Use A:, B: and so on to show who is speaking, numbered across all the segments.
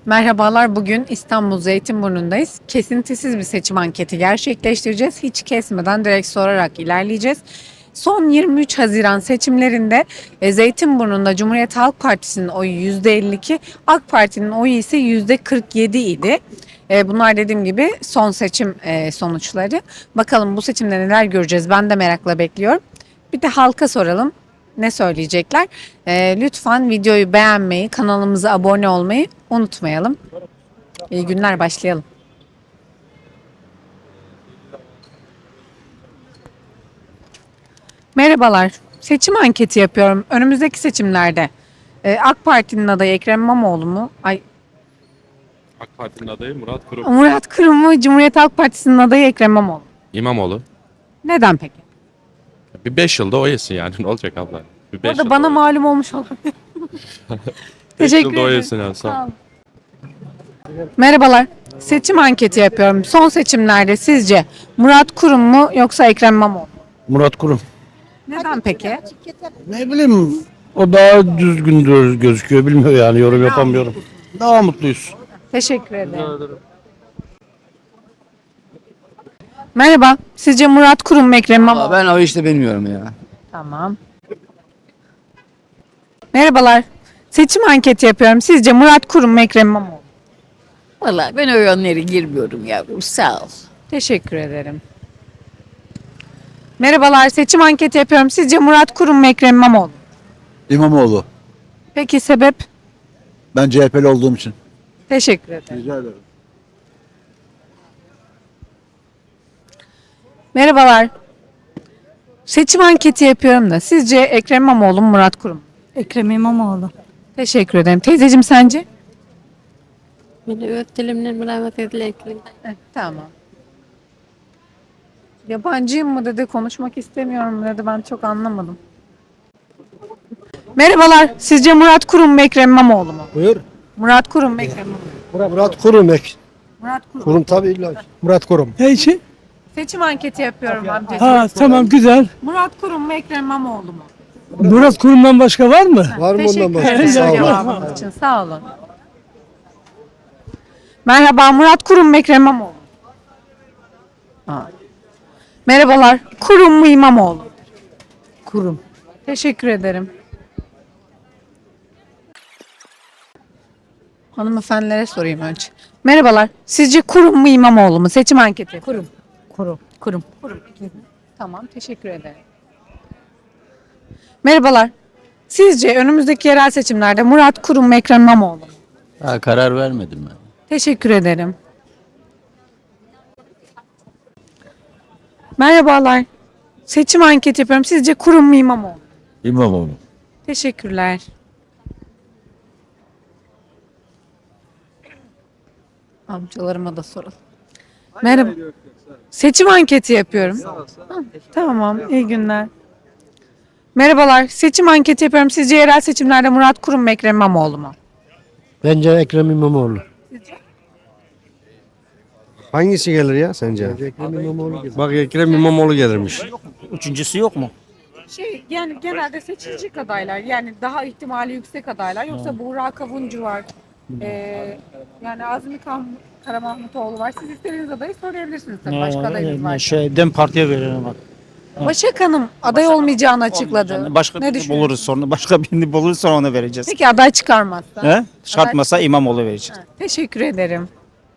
A: Merhabalar, bugün İstanbul Zeytinburnu'ndayız. Kesintisiz bir seçim anketi gerçekleştireceğiz. Hiç kesmeden direkt sorarak ilerleyeceğiz. Son 23 Haziran seçimlerinde Zeytinburnu'nda Cumhuriyet Halk Partisi'nin oyu %52, AK Parti'nin oyu ise %47 idi. Bunlar dediğim gibi son seçim sonuçları. Bakalım bu seçimde neler göreceğiz, ben de merakla bekliyorum. Bir de halka soralım. Ne söyleyecekler? Lütfen videoyu beğenmeyi, kanalımıza abone olmayı unutmayalım. İyi günler, başlayalım. Merhabalar. Seçim anketi yapıyorum. Önümüzdeki seçimlerde AK Parti'nin adayı Ekrem İmamoğlu mu?
B: AK Parti'nin adayı Murat Kurum.
A: Murat Kurum mu? Cumhuriyet Halk Partisi'nin adayı Ekrem İmamoğlu.
B: İmamoğlu.
A: Neden peki?
B: Bir 5 yılda o yesin yani. Ne olacak abla? Bir 5
A: Orada bana malum olmuş olabilir. Teşekkür
B: yılda o
A: ederim.
B: yesin yani. Sağ ol.
A: Sağ olun. Merhabalar. Seçim anketi yapıyorum. Son seçimlerde sizce Murat Kurum mu yoksa Ekrem İmamoğlu mu?
C: Murat Kurum.
A: Neden peki?
C: Ne bileyim o daha düzgün gözüküyor bilmiyor yani yorum yapamıyorum. Daha mutluyuz.
A: Teşekkür ederim. Merhaba. Sizce Murat Kurum mu Ekrem İmamoğlu mu?
D: Ben o işte bilmiyorum ya.
A: Tamam. Merhabalar. Seçim anketi yapıyorum. Sizce Murat Kurum mu Ekrem İmamoğlu mu?
E: Vallahi ben o yönlere girmiyorum yavrum, sağ ol.
A: Teşekkür ederim. Merhabalar. Seçim anketi yapıyorum. Sizce Murat Kurum mu Ekrem İmamoğlu mu?
F: İmamoğlu.
A: Peki sebep?
F: Ben CHP'li olduğum için.
A: Teşekkür ederim.
F: Rica ederim.
A: Merhabalar. Seçim anketi yapıyorum da sizce Ekrem İmamoğlu mu Murat Kurum mu?
G: Ekrem İmamoğlu.
A: Teşekkür ederim. Teyzeciğim sence?
H: Beni öptülemle rahmet edilelim.
A: Tamam. Yabancıyım mı dedi, konuşmak istemiyorum mu dedi, ben çok anlamadım. Merhabalar. Sizce Murat Kurum mu Ekrem İmamoğlu mu?
C: Buyur.
A: Murat Kurum mu Ekrem İmamoğlu mu?
C: Murat Kurum
A: Murat Kurum.
C: Kurum tabii illa. Murat Kurum.
I: Ne için?
A: Seçim anketi yapıyorum amcacığım.
I: Ha tamam güzel.
A: Murat Kurum mu Ekrem İmamoğlu mu?
I: Murat Kurum'dan başka var mı?
C: Var mı
A: Teşekkür
C: ondan başka?
A: ederim
C: Sağ olun.
A: cevabınız için. Sağ olun. Merhaba, Murat Kurum mu Ekrem İmamoğlu mu? Ha. Merhabalar. Kurum mu İmamoğlu mu?
G: Kurum.
A: Teşekkür ederim. Hanımefendilere sorayım önce. Merhabalar. Sizce Kurum mu İmamoğlu mu? Seçim anketi.
G: Kurum. Kurum.
A: Tamam, teşekkür ederim. Merhabalar. Sizce önümüzdeki yerel seçimlerde Murat Kurum mu Ekrem İmamoğlu mu?
D: Ha, karar vermedim ben.
A: Teşekkür ederim. Merhabalar. Seçim anketi yapıyorum. Sizce Kurum mu İmamoğlu mu?
D: İmamoğlu.
A: Teşekkürler. Amcalarıma da soralım. Merhaba. Seçim anketi yapıyorum. Ha, tamam, iyi günler. Merhabalar. Seçim anketi yapıyorum. Sizce yerel seçimlerde Murat Kurum mu Ekrem İmamoğlu mu?
C: Bence Ekrem İmamoğlu.
J: Hangisi gelir ya sence?
C: Ekrem İmamoğlu gibi.
J: Bak Ekrem İmamoğlu gelirmiş.
D: Üçüncüsü yok mu?
A: Yani genelde seçilecek adaylar, yani daha ihtimali yüksek adaylar, yoksa Buğra Kavuncu var. Yani Azmi Karamahmutoğlu var. Siz istediğiniz adayı söyleyebilirsiniz tabii. Başka adayınız var.
I: Dem Parti'ye verelim bak.
A: Başak Hanım aday olmayacağını açıkladı.
D: Başka
A: Ne
D: birini
A: düşünüyorsun?
D: buluruz sonra. Başka birini buluruz sonra ona vereceğiz.
A: Peki aday çıkarmazsa?
D: He? Çıkartmasa İmamoğlu vereceğiz.
A: Ha, teşekkür ederim.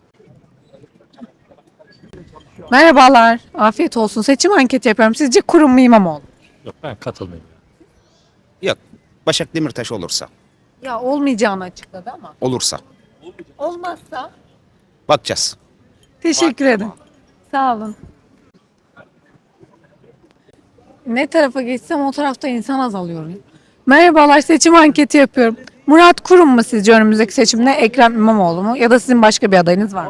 A: Merhabalar. Afiyet olsun. Seçim anketi yapıyorum. Sizce Kurum mu İmamoğlu?
B: Yok, ben katılmayayım.
D: Yok. Başak Demirtaş olursa.
A: Ya olmayacağını açıkladı ama.
D: Olursa.
A: Olmazsa?
D: Bakacağız.
A: Teşekkür ederim. Sağ olun. Ne tarafa geçsem o tarafta insan azalıyor. Merhabalar, seçim anketi yapıyorum. Murat Kurum mu sizce önümüzdeki seçimde, Ekrem İmamoğlu mu, ya da sizin başka bir adayınız var mı?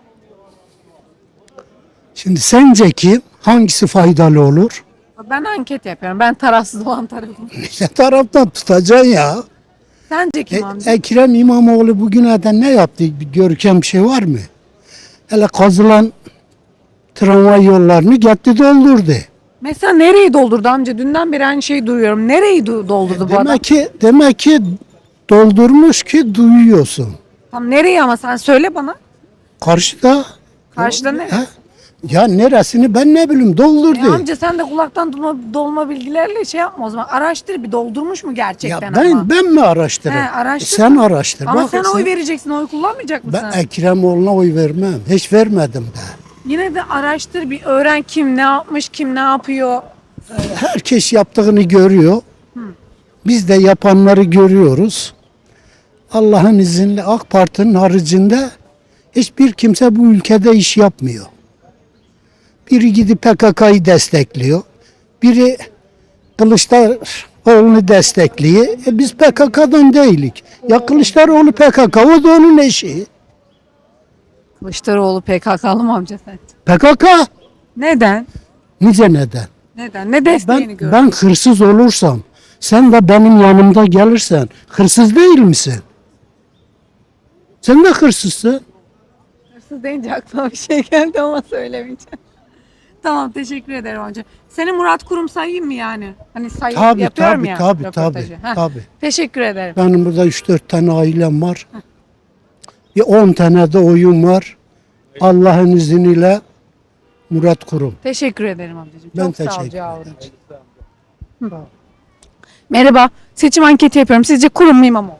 I: Şimdi sence ki hangisi faydalı olur?
A: Ben anket yapıyorum. Ben tarafsız olan tarafım.
I: Ne taraftan tutacaksın ya?
A: Sence kim amca?
I: Ekrem İmamoğlu bugüne kadar ne yaptı? Bir görkem bir şey var mı? Hele kazılan tramvay yollarını gitti doldurdu.
A: Mesela nereyi doldurdu amca? Dünden beri aynı şeyi duyuyorum. Nereyi doldurdu bu adam?
I: Demek ki doldurmuş ki duyuyorsun.
A: Tam nereye ama sen söyle bana.
I: Karşıda.
A: Karşıda ne?
I: Ha? Ya neresini ben ne bileyim doldurdu.
A: Amca sen de kulaktan dolma bilgilerle şey yapma o zaman. Araştır bir doldurmuş mu
I: Ya
A: gerçekten
I: ben
A: ama.
I: ben mi araştırayım?
A: He, araştır.
I: Sen araştır.
A: Ama
I: Bak,
A: sen oy vereceksin, oy kullanmayacak mısın?
I: Ben Ekremoğlu'na oy vermem. Hiç vermedim de.
A: Yine de araştır bir öğren kim ne yapmış, kim ne yapıyor.
I: Herkes yaptığını görüyor. Biz de yapanları görüyoruz. Allah'ın izniyle AK Parti'nin haricinde hiçbir kimse bu ülkede iş yapmıyor. Biri gidip PKK'yı destekliyor. Biri Kılıçdaroğlu'nu destekliyor. Biz PKK'dan değilik. Ya Kılıçdaroğlu PKK, o da onun eşi.
A: Kılıçdaroğlu PKK'lı mı amca sen?
I: PKK.
A: Neden?
I: Nice neden?
A: Neden? Ne desteğini gördün?
I: Ben hırsız olursam, sen de benim yanımda gelirsen, hırsız değil misin? Sen de hırsızsın.
A: Hırsız deyince aklıma bir şey geldi ama söylemeyeceğim. Tamam teşekkür ederim amca. Seni Murat Kurum sayayım mı yani? Hani sayıp
I: Tabii
A: yapıyorum
I: tabii
A: ya.
I: tabii
A: röportajı.
I: tabii.
A: Heh,
I: Tabii.
A: Teşekkür ederim.
I: Benim burada 3-4 tane ailem var. Bir 10 tane de oyun var. Allah'ın izniyle Murat Kurum.
A: Teşekkür ederim amcacığım.
I: Ben
A: Çok sağ ol
I: teşekkür
A: cevabın için. Hı. Merhaba. Seçim anketi yapıyorum. Sizce Kurum mu İmamoğlu?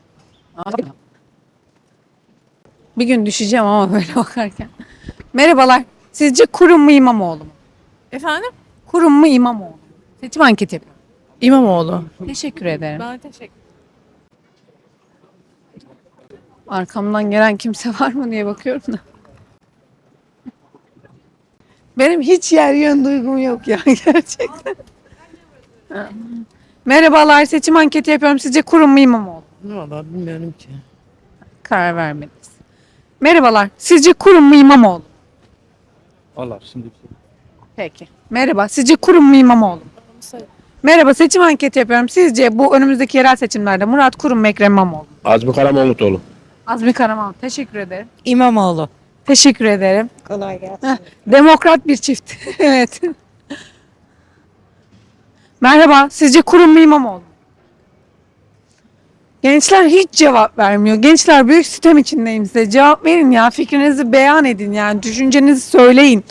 A: Bir gün düşeceğim ama böyle bakarken. Merhabalar. Sizce Kurum mu İmamoğlu mu?
H: Efendim?
A: Kurum mu İmamoğlu mu? Seçim anketi yapıyorum.
H: İmamoğlu.
A: Teşekkür ederim.
H: Ben teşekkür
A: Arkamdan gelen kimse var mı diye bakıyorum da. Benim hiç yer yön duygum yok ya gerçekten. Merhabalar, seçim anketi yapıyorum. Sizce Kurum mu İmamoğlu?
H: Valla bilmiyorum ki.
A: Karar vermediniz. Merhabalar, sizce Kurum mu İmamoğlu?
B: Valla şimdi
A: Peki. Merhaba, sizce Kurum mu İmamoğlu? mu? Merhaba, seçim anketi yapıyorum. Sizce bu önümüzdeki yerel seçimlerde Murat Kurum mu Ekrem İmamoğlu? mu?
B: Azmi Karamoğluoğlu.
A: Azmi Karaman. Teşekkür ederim.
H: İmamoğlu.
A: Teşekkür ederim.
H: Kolay gelsin.
A: Demokrat bir çift. Evet. Merhaba, sizce Kurum mu İmamoğlu? mu? Gençler hiç cevap vermiyor. Gençler büyük sitem içindeyim size. Cevap verin ya, fikrinizi beyan edin yani, düşüncenizi söyleyin.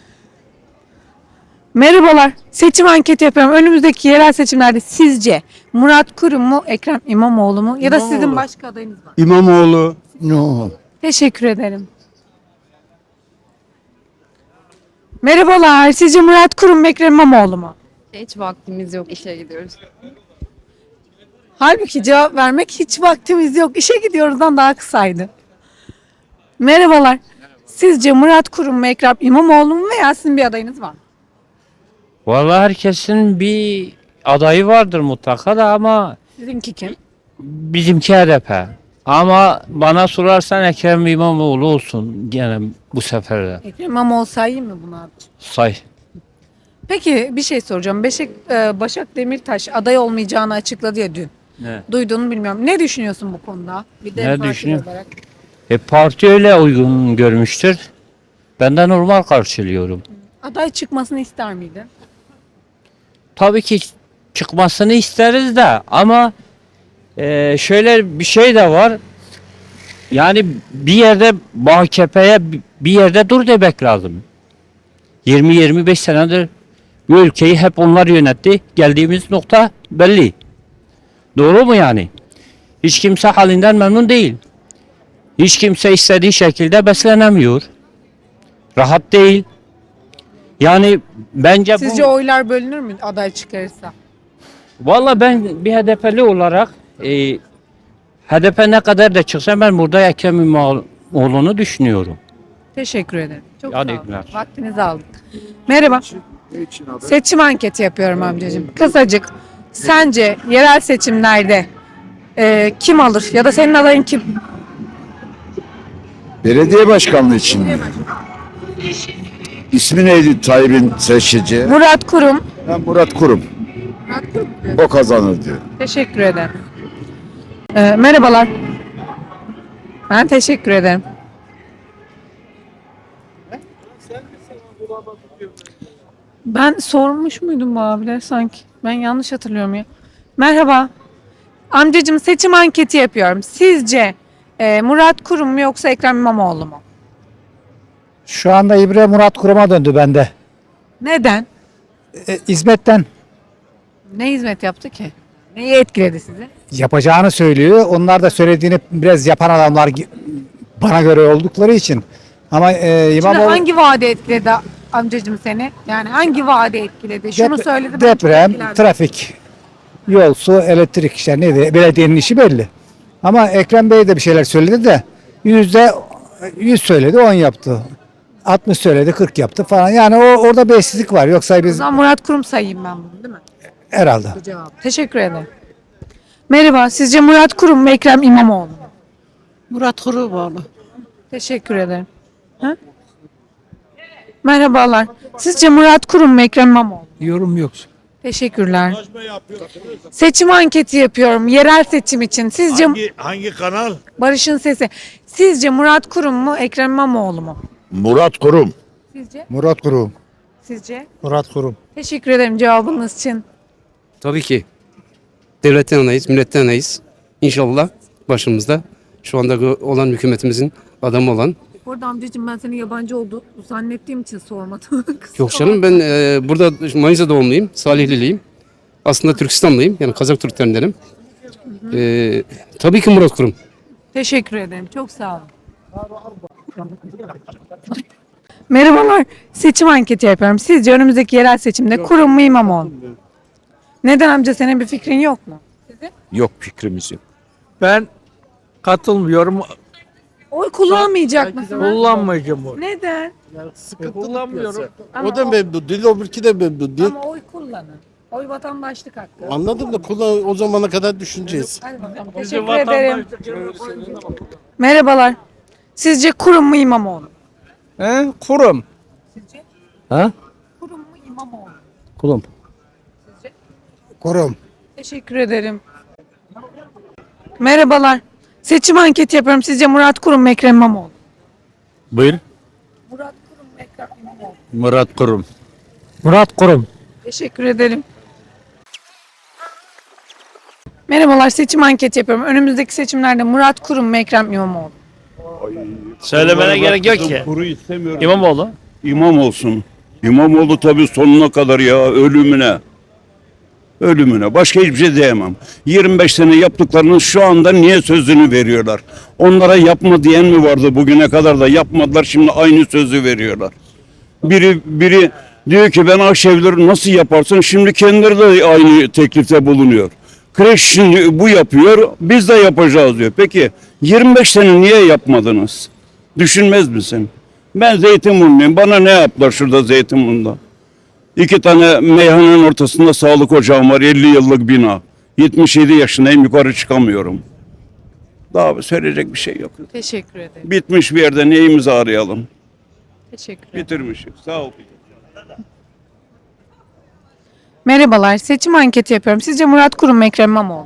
A: Merhabalar, seçim anketi yapıyorum. Önümüzdeki yerel seçimlerde sizce Murat Kurum mu, Ekrem İmamoğlu mu ya da sizin
C: İmamoğlu.
A: başka adayınız var?
C: İmamoğlu. No.
A: Teşekkür ederim. Merhabalar, sizce Murat Kurum mu, Ekrem İmamoğlu mu?
H: Hiç vaktimiz yok. İşe gidiyoruz.
A: Halbuki cevap vermek hiç vaktimiz yok. İşe gidiyoruzdan daha kısaydı. Merhabalar. Sizce Murat Kurum mu, Ekrem İmamoğlu mu veya sizin bir adayınız var mı?
K: Vallahi herkesin bir adayı vardır mutlaka da ama
A: Sizinki kim?
K: bizimki HDP. Ama bana sorarsan Ekrem İmamoğlu olsun gene bu sefer de.
A: Ekrem İmamoğlu sayayım mı bunu abi?
K: Say.
A: Peki bir şey soracağım. Başak Demirtaş aday olmayacağını açıkladı ya dün.
K: Ne?
A: Duyduğunu bilmiyorum. Ne düşünüyorsun bu konuda? Bir de
K: Ne
A: parti
K: düşünüyorum?
A: olarak.
K: Parti öyle uygun görmüştür. Ben de normal karşılıyorum.
A: Aday çıkmasını ister miydin?
K: Tabii ki çıkmasını isteriz de ama şöyle bir şey de var. Yani bir yerde AKP'ye bir yerde dur demek lazım. 20-25 senedir bu ülkeyi hep onlar yönetti. Geldiğimiz nokta belli. Doğru mu yani? Hiç kimse halinden memnun değil. Hiç kimse istediği şekilde beslenemiyor. Rahat değil. Yani bence
A: Sizce oylar bölünür mü aday çıkarırsa?
K: Valla ben bir HDP'li olarak HDP ne kadar da çıksa ben burada Ekrem İmamoğlu'nu düşünüyorum.
A: Teşekkür ederim. Çok
K: Hadi
A: sağ olun.
K: günler.
A: Vaktinizi aldık. Merhaba. Seçim anketi yapıyorum amcacığım. Kısacık. Sence yerel seçimlerde kim alır ya da senin adayın kim?
F: Belediye başkanlığı için mi? İsmi neydi Tayyip'in seçici?
A: Murat Kurum.
F: Ben Murat Kurum. O kazanır diyor.
A: Teşekkür ederim. Merhabalar. Ben teşekkür ederim. Ben sormuş muydum bu abiler sanki? Ben yanlış hatırlıyorum ya. Merhaba. Amcacığım seçim anketi yapıyorum. Sizce Murat Kurum mu yoksa Ekrem İmamoğlu mu?
C: Şu anda İbre Murat Kurum'a döndü bende.
A: Neden?
C: Hizmetten
A: Ne hizmet yaptı ki? Neyi etkiledi sizi?
C: yapacağını söylüyor. Onlar da söylediğini biraz yapan adamlar bana göre oldukları için. Ama
A: Şimdi
C: İmamoğlu
A: hangi vaade etkiledi amcacığım seni? Yani hangi vaade etkiledi? Şunu söyledi. ben çok
C: deprem,
A: etkilendim.
C: trafik, yol, su, elektrik işte neydi? Belediyenin işi belli. Ama Ekrem Bey de bir şeyler söyledi de %100 söyledi 10 yaptı. 60 söyledi 40 yaptı falan. Yani orada bir eşsizlik var. Yoksa
A: O
C: biz
A: zaman Murat Kurum sayayım ben bunu, değil mi?
C: herhalde.
A: Bu cevap. Teşekkür ederim. Merhaba. Sizce Murat Kurum mu Ekrem İmamoğlu mu?
H: Murat Kurumoğlu.
A: Teşekkür ederim. Ha? Merhabalar. Sizce Murat Kurum mu Ekrem İmamoğlu mu?
C: Yorum yok.
A: Teşekkürler. Seçim anketi yapıyorum. Yerel seçim için. Sizce
F: Hangi kanal?
A: Barış'ın sesi. Sizce Murat Kurum mu Ekrem İmamoğlu mu?
F: Murat Kurum.
A: Sizce?
C: Murat Kurum.
A: Sizce?
C: Murat Kurum.
A: Teşekkür ederim cevabınız için.
J: Tabii ki. Devletten yanayız, milletten yanayız. İnşallah başımızda şu anda olan hükümetimizin adamı olan.
A: Bu arada amcacığım ben senin yabancı olduğunu zannettiğim için sormadım.
J: Yok canım ben burada Manisa doğumluyum, Salihliliyim. Aslında Türkistanlıyım yani Kazak Türklerindenim. Tabii ki Murat Kurum.
A: Teşekkür ederim. Çok sağ olun. Merhabalar. Seçim anketi yapıyorum. Sizce önümüzdeki yerel seçimde Kurum mu İmamoğlu mu? Neden amca, senin bir fikrin yok mu?
B: Yok, fikrimiz yok.
C: Ben katılmıyorum.
A: Oy kullanmayacak mısın?
C: Kullanmayacağım oy.
A: Neden?
C: Kullanmıyorum.
A: Ama
C: O da memnun değil, öbürki de memnun değil.
A: Ama oy kullanın. Oy vatandaşlık hakkı.
C: Anladım da o zamana kadar düşüneceğiz.
A: Hadi bakalım. Teşekkür ederim. Merhabalar. Sizce Kurum mu İmamoğlu mu?
C: Kurum.
A: Sizce?
C: Ha?
A: Kurum mu İmamoğlu mu?
C: Kurum.
A: Sizce?
C: Kurum.
A: Teşekkür ederim. Merhabalar. Seçim anketi yapıyorum. Sizce Murat Kurum mu Ekrem İmamoğlu mu?
C: Buyur.
A: Murat Kurum mu Ekrem İmamoğlu mu?
C: Murat Kurum. Murat Kurum.
A: Teşekkür ederim. Merhabalar. Seçim anketi yapıyorum. Önümüzdeki seçimlerde Murat Kurum mu Ekrem İmamoğlu mu?
K: Söylemene gerek yok ki. İmamoğlu.
F: İmam olsun. İmamoğlu tabii sonuna kadar ya ölümüne. Ölümüne. Başka hiçbir şey diyemem. 25 sene yaptıklarının şu anda niye sözünü veriyorlar? Onlara yapma diyen mi vardı bugüne kadar da yapmadılar, şimdi aynı sözü veriyorlar. Biri diyor ki ben Akşevleri nasıl yaparsın? Şimdi kendileri de aynı teklifte bulunuyor. Kreş şimdi bu yapıyor, biz de yapacağız diyor. Peki 25 sene niye yapmadınız? Düşünmez misin? Ben Zeytinburnu'yum. Bana ne yaptılar şurada Zeytinburnu'nda? 2 tane meyhanenin ortasında sağlık ocağım var. 50 yıllık bina. 77 yaşındayım, yukarı çıkamıyorum. Daha söyleyecek bir şey yok.
A: Teşekkür ederim.
F: Bitmiş bir yerde neyimizi arayalım?
A: Teşekkür ederim.
F: Bitirmişik. Sağ ol.
A: Merhabalar. Seçim anketi yapıyorum. Sizce Murat Kurum mu Ekrem İmamoğlu mu?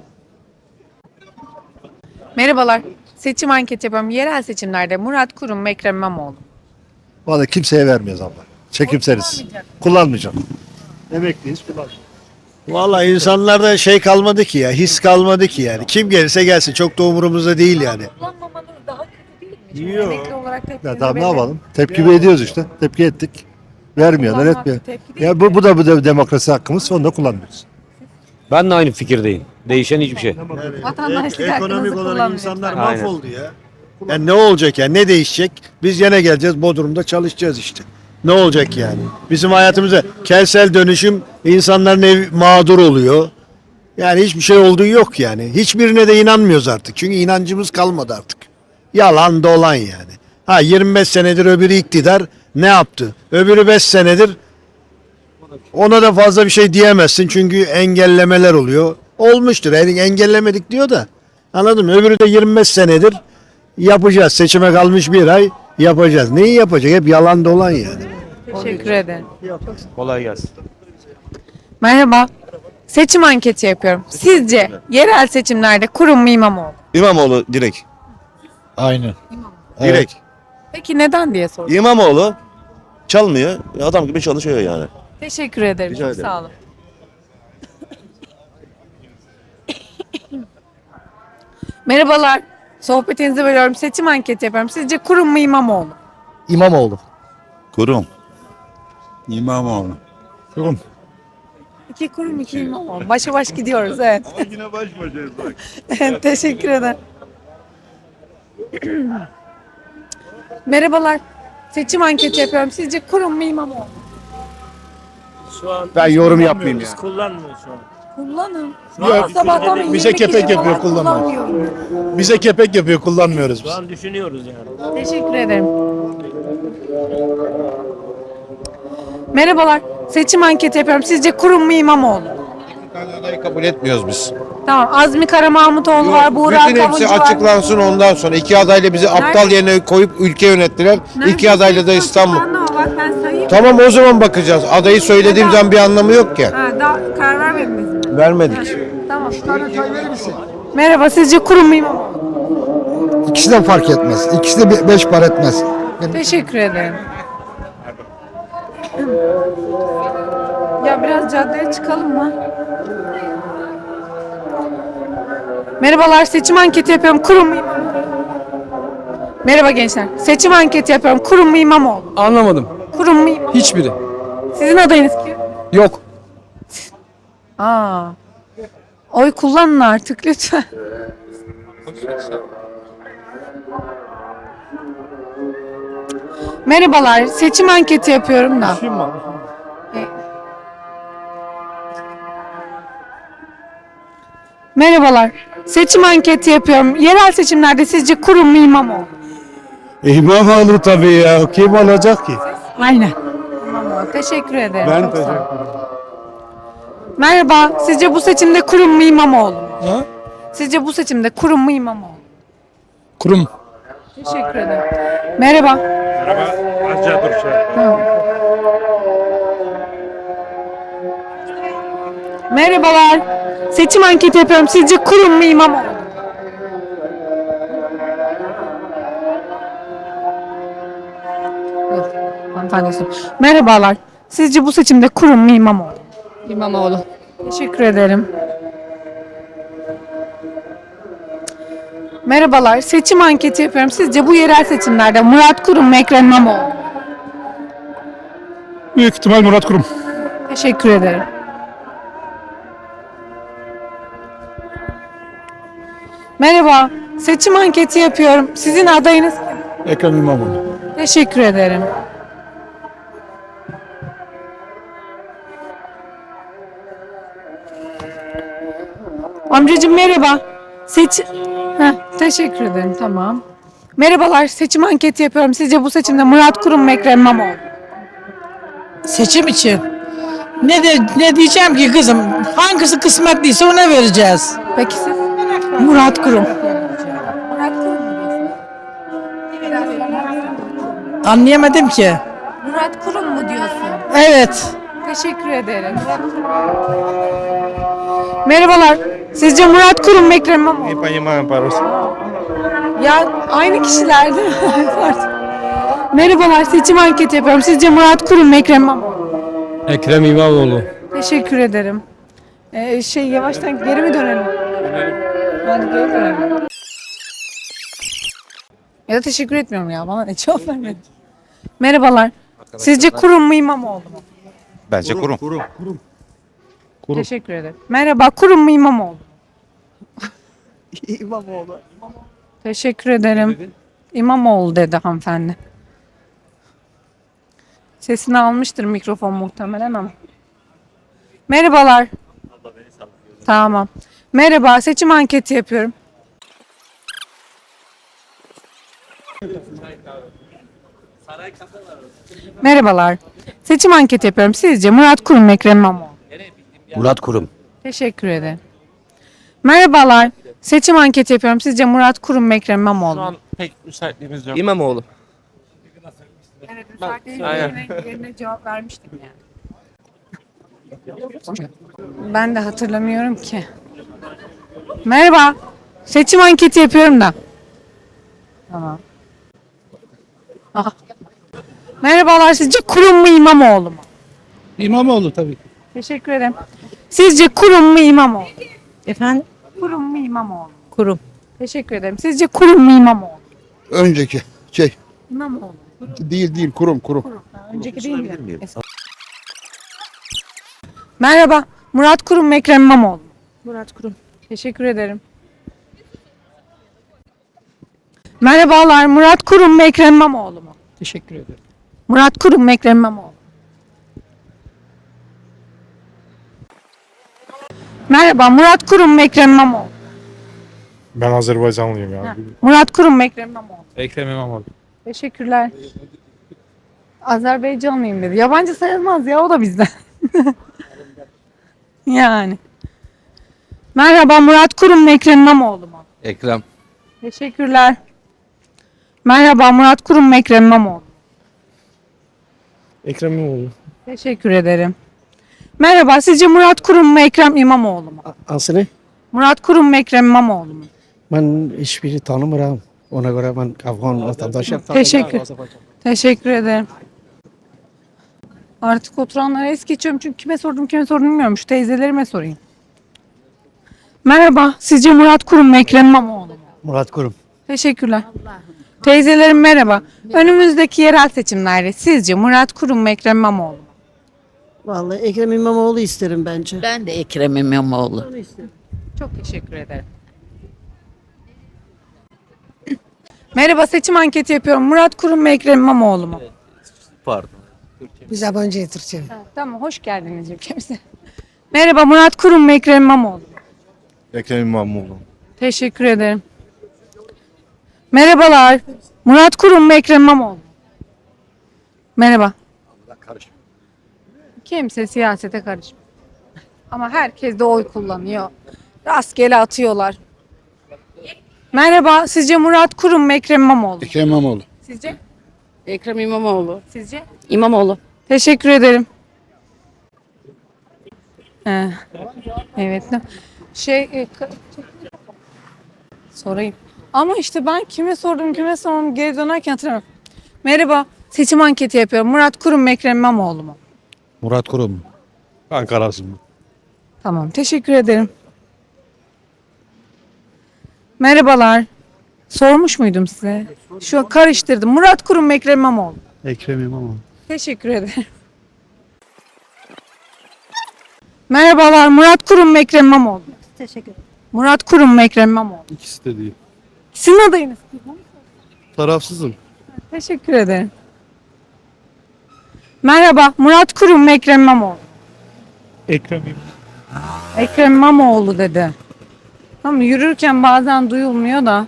A: Merhabalar. Seçim anketi yapıyorum. Yerel seçimlerde Murat Kurum mu Ekrem İmamoğlu mu?
C: Vallahi kimseye vermiyoruz abla. Çekimseriz. Kullanmayacağım. Emekliyiz, kullanmayacağım.
I: Vallahi insanlarda şey kalmadı ki ya, his kalmadı ki yani. Kim gelirse gelsin, çok da umurumuzda değil yani.
A: Kullanmamanız daha kötü değil mi? Çünkü
I: Yok.
A: emekli olarak tepkinizi
C: Ya tamam ne
A: belirtin.
C: yapalım? Tepki ediyoruz işte. Tepki ettik. Vermiyorlar,
A: Kullanmak
C: etmiyor.
A: tepki değil
C: Ya bu da demokrasi hakkımız. Onu da kullanmıyoruz.
J: Ben de aynı fikirdeyim. Değişen hiçbir şey.
A: Vatandaşlık hakkınızı kullanın lütfen.
I: mahvoldu ya. Yani ne olacak yani, ne değişecek? Biz yine geleceğiz, Bodrum'da çalışacağız işte. Ne olacak yani? Bizim hayatımızda kentsel dönüşüm, insanların ev mağdur oluyor. Yani hiçbir şey olduğu yok yani. Hiçbirine de inanmıyoruz artık. Çünkü inancımız kalmadı artık. Yalan dolan yani. Ha 25 senedir öbürü iktidar ne yaptı? Öbürü 5 senedir ona da fazla bir şey diyemezsin. Çünkü engellemeler oluyor. Olmuştur. Yani engellemedik diyor da. Anladın mı? Öbürü de 25 senedir yapacağız. Seçime kalmış bir ay yapacağız. Neyi yapacak? Hep yalan dolan yani.
A: Teşekkür ederim.
J: Kolay gelsin.
A: Merhaba. Seçim anketi yapıyorum. Sizce yerel seçimlerde Kurum mu İmamoğlu mu?
F: İmamoğlu direkt.
C: Aynen.
F: Direkt.
A: Peki neden diye sordum.
F: İmamoğlu çalmıyor. Adam gibi çalışıyor yani.
A: Teşekkür ederim.
F: Rica
A: Çok
F: ederim.
A: sağ olun. Merhabalar. Sohbetinizi bölüyorum. Seçim anketi yapıyorum. Sizce kurum mu İmamoğlu?
I: İmamoğlu.
F: Kurum. İmamoğlu.
I: Kurum.
A: 2 kurum 2 İmamoğlu. Başa baş gidiyoruz evet.
F: Yine baş başayız bak.
A: Teşekkür ederim. Merhabalar. Seçim anketi yapıyorum. Sizce kurum mu İmamoğlu?
I: Ben yorum yapmayayım ya.
H: Kullanmıyor şu an.
A: Kullanın.
I: Yok,
A: Sabahtan beri
I: bize
A: 20 kişi
I: kepek yapıyor,
A: falan
I: kullanmıyoruz.
A: kullanmıyor.
I: Bize kepek yapıyor, kullanmıyoruz biz.
H: Şu an düşünüyoruz yani.
A: Teşekkür ederim. Merhabalar. Seçim anketi yapıyorum. Sizce kurum mu İmamoğlu?
L: Adayı kabul etmiyoruz biz.
A: Tamam. Azmi Karamahmutoğlu var. Buğra
L: Bütün hepsi
A: Kavuncu var.
L: açıklansın ondan sonra. İki adayla bizi aptal yerine koyup ülke yönettiler. İki adayla da İstanbul.
A: Bak ben sayayım.
L: Tamam o zaman bakacağız. Adayı söylediğim zaman bir anlamı yok ki.
A: Ha, daha karar vermediniz.
L: Vermedik.
A: Tamam. Merhaba. Sizce kurum mu İmamoğlu?
C: İkisi de fark etmez. İkisi de 5 para etmez.
A: Teşekkür ederim. Ya biraz caddeye çıkalım mı? Merhabalar, seçim anketi yapıyorum. Kurum mu İmamoğlu? Merhaba gençler. Seçim anketi yapıyorum. Kurum mu İmamoğlu?
J: Anlamadım.
A: Kurum mu İmamoğlu?
J: Hiçbiri.
A: Sizin adayınız kim?
J: Yok.
A: Aa. Oy kullanın artık lütfen. Merhabalar, seçim anketi yapıyorum da. Merhabalar, seçim anketi yapıyorum. Yerel seçimlerde sizce kurum mu İmamoğlu?
I: İmamoğlu tabii ya. Kim olacak ki?
A: Aynen. İmamoğlu, teşekkür ederim.
I: Ben
A: Çok sağ olun.
I: teşekkür ederim.
A: Merhaba, sizce bu seçimde kurum mu İmamoğlu? Sizce bu seçimde kurum mu İmamoğlu?
I: Kurum.
A: Teşekkür ederim. Merhaba. Tamam. Merhabalar. Seçim anketi yapıyorum. Sizce kurum mu İmamoğlu? Dur, hanımefendi sor. Merhabalar. Sizce bu seçimde kurum mu İmamoğlu?
E: İmamoğlu.
A: Teşekkür ederim. Merhabalar. Seçim anketi yapıyorum. Sizce bu yerel seçimlerde Murat Kurum mu Ekrem İmamoğlu?
I: Büyük ihtimal Murat Kurum.
A: Teşekkür ederim. Merhaba. Seçim anketi yapıyorum. Sizin adayınız kim?
I: Ekrem İmamoğlu.
A: Teşekkür ederim. Amcacığım merhaba. Teşekkür ederim. Tamam. Merhabalar. Seçim anketi yapıyorum. Sizce bu seçimde Murat Kurum mu Ekrem İmamoğlu?
H: Seçim için. Ne diyeceğim ki kızım? Hangisi kısmetliyse ona vereceğiz.
A: Peki siz?
H: Murat Kurum.
A: Murat Kurum mu diyorsunuz?
H: Anlayamadım ki.
A: Murat Kurum mu diyorsun?
H: Evet.
A: Teşekkür ederim. Merhabalar. Sizce Murat Kurum mu Ekrem İmamoğlu? Ya aynı kişiler değil mi? Pardon. Merhabalar. Seçim anketi yapıyorum. Sizce Murat Kurum mu Ekrem İmamoğlu?
J: Ekrem İmamoğlu.
A: Teşekkür ederim. Yavaştan geri mi dönelim? Hadi geri dönelim. Ya da teşekkür etmiyorum ya. Bana ne cevap vermedin. Merhabalar. Sizce Kurum mu İmamoğlu mu?
D: Bence kurum.
A: Teşekkür ederim. Merhaba. Kurum mu İmamoğlu mu? İmamoğlu. Teşekkür ederim. İmamoğlu dedi hanımefendi. Sesini almıştır mikrofon muhtemelen ama. Merhabalar. Tamam. Merhaba. Seçim anketi yapıyorum. Merhabalar. Seçim anketi yapıyorum. Sizce Murat Kurum mu Ekrem İmamoğlu?
D: Murat Kurum.
A: Teşekkür ederim. Merhabalar. Seçim anketi yapıyorum. Sizce Murat Kurum mu Ekrem İmamoğlu?
B: Şu an pek müsaitliğimiz yok.
J: İmamoğlu.
A: Evet, yerine cevap vermiştim yani. Ben de hatırlamıyorum ki. Merhaba. Seçim anketi yapıyorum da. Tamam. Aha. Merhabalar. Sizce Kurum mu İmamoğlu mu?
I: İmamoğlu tabii.
A: Teşekkür ederim. Sizce Kurum mu İmamoğlu?
G: Efendim?
A: Kurum mu İmamoğlu?
G: Kurum.
A: Teşekkür ederim. Sizce kurum mu İmamoğlu?
L: Önceki
A: İmamoğlu.
L: değil kurum.
A: Önceki değil mi? Merhaba. Murat Kurum mu Ekrem İmamoğlu?
G: Murat Kurum.
A: Teşekkür ederim. Merhabalar. Murat Kurum mu Ekrem İmamoğlu mu?
H: Teşekkür ederim.
A: Murat Kurum mu Ekrem İmamoğlu? Merhaba. Murat Kurum mu Ekrem İmamoğlu?
L: Ben Azerbaycanlıyım ya.
A: Murat Kurum mu Ekrem İmamoğlu?
B: Ekrem İmamoğlu.
A: Teşekkürler. Azerbaycanlıyım dedi. Yabancı sayılmaz ya, o da bizden. Yani. Merhaba, Murat Kurum mu Ekrem İmamoğlu mu?
D: Ekrem.
A: Teşekkürler. Merhaba, Murat Kurum mu Ekrem İmamoğlu?
L: Ekrem İmamoğlu.
A: Teşekkür ederim. Merhaba, sizce Murat Kurum mu Ekrem İmamoğlu mu?
C: Aslında
A: Murat Kurum mu Ekrem İmamoğlu mu?
C: ben hiçbiri tanımıyorum. Ona göre ben Afgan vatandaşım.
A: Teşekkür ederim. Artık oturanlara es geçiyorum çünkü kime sordum bilmiyorum. Şu teyzelerime sorayım. Merhaba, sizce Murat Kurum mu Ekrem İmamoğlu mu?
C: Murat Kurum.
A: Teşekkürler. Teyzelerim merhaba. Önümüzdeki yerel seçimlerde sizce Murat Kurum mu Ekrem İmamoğlu mu?
E: Vallahi Ekrem İmamoğlu isterim bence. Ben de Ekrem İmamoğlu.
A: Çok teşekkür ederim. Merhaba, seçim anketi yapıyorum. Murat Kurum mu Ekrem İmamoğlu mu?
D: Pardon.
H: Biz yabancı Türkçe.
A: Tamam, hoş geldiniz ülkemize. Merhaba, Murat Kurum mu Ekrem İmamoğlu mu?
L: Ekrem İmamoğlu.
A: Teşekkür ederim. Merhabalar. Murat Kurum mu Ekrem İmamoğlu mu? Merhaba. Kimse siyasete karışmıyor. Ama herkes de oy kullanıyor. Rastgele atıyorlar. Merhaba. Sizce Murat Kurum mu Ekrem İmamoğlu mu?
L: Ekrem İmamoğlu.
A: Sizce?
E: Ekrem İmamoğlu.
A: Sizce?
E: İmamoğlu.
A: Teşekkür ederim. Evet. Sorayım. Ama işte ben kime sordum geri dönerken hatırlamıyorum. Merhaba. Seçim anketi yapıyorum. Murat Kurum mu Ekrem İmamoğlu mu?
L: Murat Kurum.
B: Ben kararsızım.
A: Tamam. Teşekkür ederim. Merhabalar. Sormuş muydum size? Şu karıştırdım. Murat Kurum mu Ekrem İmamoğlu mu?
L: Ekrem İmamoğlu.
A: Teşekkür ederim. Merhabalar. Murat Kurum mu Ekrem İmamoğlu mu?
G: Teşekkür ederim.
A: Murat Kurum mu Ekrem İmamoğlu mu?
L: İkisi de değil.
A: Sizin adayınız kim?
L: Tarafsızım.
A: Teşekkür ederim. Merhaba. Murat Kurum mu Ekrem İmamoğlu mu?
L: Ekrem
A: Ekrem İmamoğlu dedi. Tamam, yürürken bazen duyulmuyor da.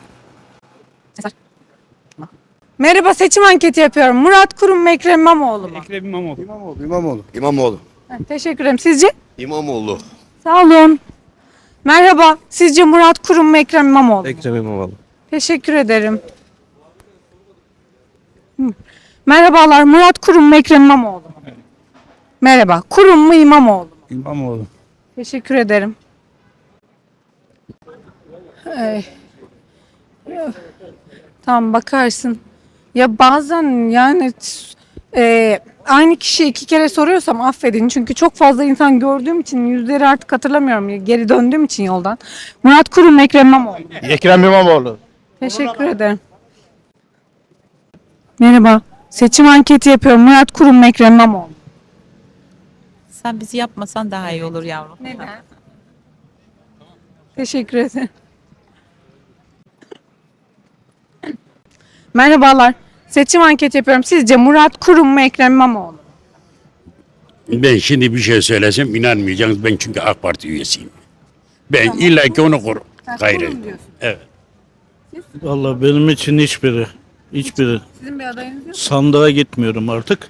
A: Merhaba, seçim anketi yapıyorum. Murat Kurum mu Ekrem İmamoğlu mu?
L: Ekrem İmamoğlu.
D: İmamoğlu.
A: Teşekkür ederim. Sizce?
D: İmamoğlu.
A: Sağ olun. Merhaba. Sizce Murat Kurum mu Ekrem İmamoğlu mu?
B: Ekrem İmamoğlu.
A: Teşekkür ederim. Merhabalar. Murat Kurum mu Ekrem İmamoğlu mu? Merhaba. Kurum mu İmamoğlu mu?
L: İmamoğlu.
A: Teşekkür ederim. Tamam, bakarsın. Ya bazen yani aynı kişiyi iki kere soruyorsam affedin. Çünkü çok fazla insan gördüğüm için yüzleri artık hatırlamıyorum. Geri döndüğüm için yoldan. Murat Kurum mu Ekrem İmamoğlu mu?
L: Ekrem İmamoğlu.
A: Teşekkür ederim. Merhaba. Seçim anketi yapıyorum. Murat Kurum mu Ekrem İmamoğlu mu?
G: Sen bizi yapmasan daha iyi olur yavrum.
A: Neden? Teşekkür ederim. Merhabalar. Seçim anketi yapıyorum. Sizce Murat Kurum mu Ekrem İmamoğlu mu?
F: Ben şimdi bir şey söylesem inanmayacaksınız. Ben çünkü AK Parti üyesiyim. Ben illaki onu korum. Gayrı.
A: Kurum diyorsun.
F: Evet.
L: Vallahi benim için hiçbiri.
A: Sizin bir adayınız yok.
L: Sandığa gitmiyorum artık.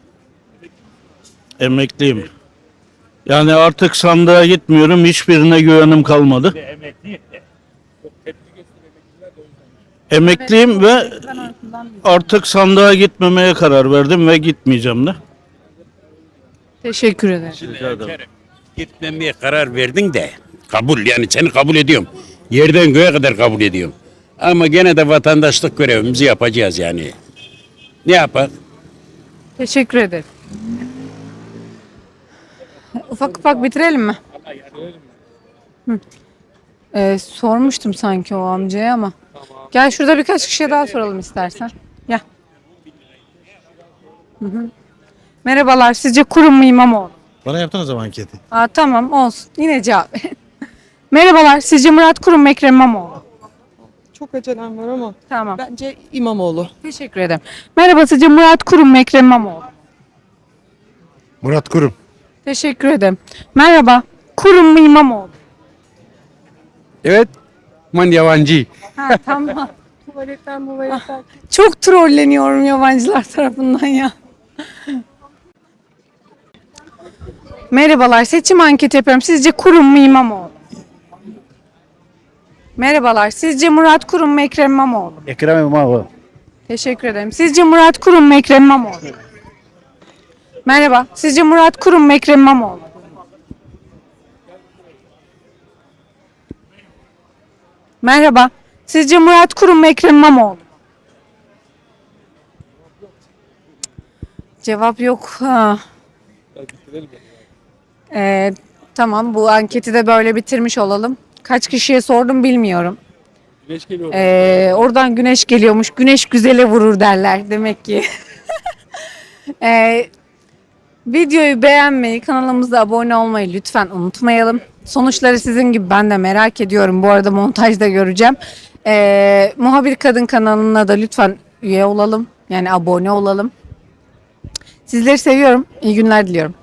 L: Emekliyim. Yani artık sandığa gitmiyorum. Hiçbirine güvenim kalmadı. Emekliyim ve artık sandığa gitmemeye karar verdim ve gitmeyeceğim de.
A: Teşekkür ederim.
F: Gitmemeye karar verdin de kabul, yani seni kabul ediyorum. Yerden göğe kadar kabul ediyorum. Ama gene de vatandaşlık görevimizi yapacağız yani. Ne yapar?
A: Teşekkür ederim. Ufak ufak bitirelim mi? Hı. Sormuştum sanki o amcaya ama. Gel şurada birkaç kişiye daha soralım istersen. Gel. Hı hı. Merhabalar. Sizce kurum mu İmamoğlu mu?
I: Bana yaptın o zaman anketi.
A: Aa, tamam olsun. Yine cevap. Merhabalar. Sizce Murat Kurum mu Ekrem İmamoğlu mu?
H: Çok acelem var ama
A: Tamam.
H: bence İmamoğlu.
A: Teşekkür ederim. Merhaba. Sizce Murat Kurum mu Ekrem İmamoğlu mu?
L: Murat Kurum.
A: Teşekkür ederim. Merhaba. Kurum mu İmamoğlu mu?
J: Evet. Man yabancı.
A: Ha, tamam. Tuvaletten. Çok trolleniyorum yabancılar tarafından ya. Merhabalar. Seçim anketi yapıyorum. Sizce Kurum mu İmamoğlu mu? Merhabalar. Sizce Murat Kurum mu Ekrem İmamoğlu mu?
C: Ekrem İmamoğlu.
A: Teşekkür ederim. Sizce Murat Kurum mu Ekrem İmamoğlu mu? Merhaba. Sizce Murat Kurum mu Ekrem İmamoğlu mu? Merhaba. Sizce Murat Kurum mu Ekrem İmamoğlu mu? Cevap yok. Ha. Tamam, bu anketi de böyle bitirmiş olalım. Kaç kişiye sordum bilmiyorum. Oradan güneş geliyormuş. Güneş güzele vurur derler demek ki. Videoyu beğenmeyi, kanalımıza abone olmayı lütfen unutmayalım. Sonuçları sizin gibi ben de merak ediyorum. Bu arada montajda göreceğim. Muhabir Kadın kanalına da lütfen üye olalım. Yani abone olalım. Sizleri seviyorum. İyi günler diliyorum.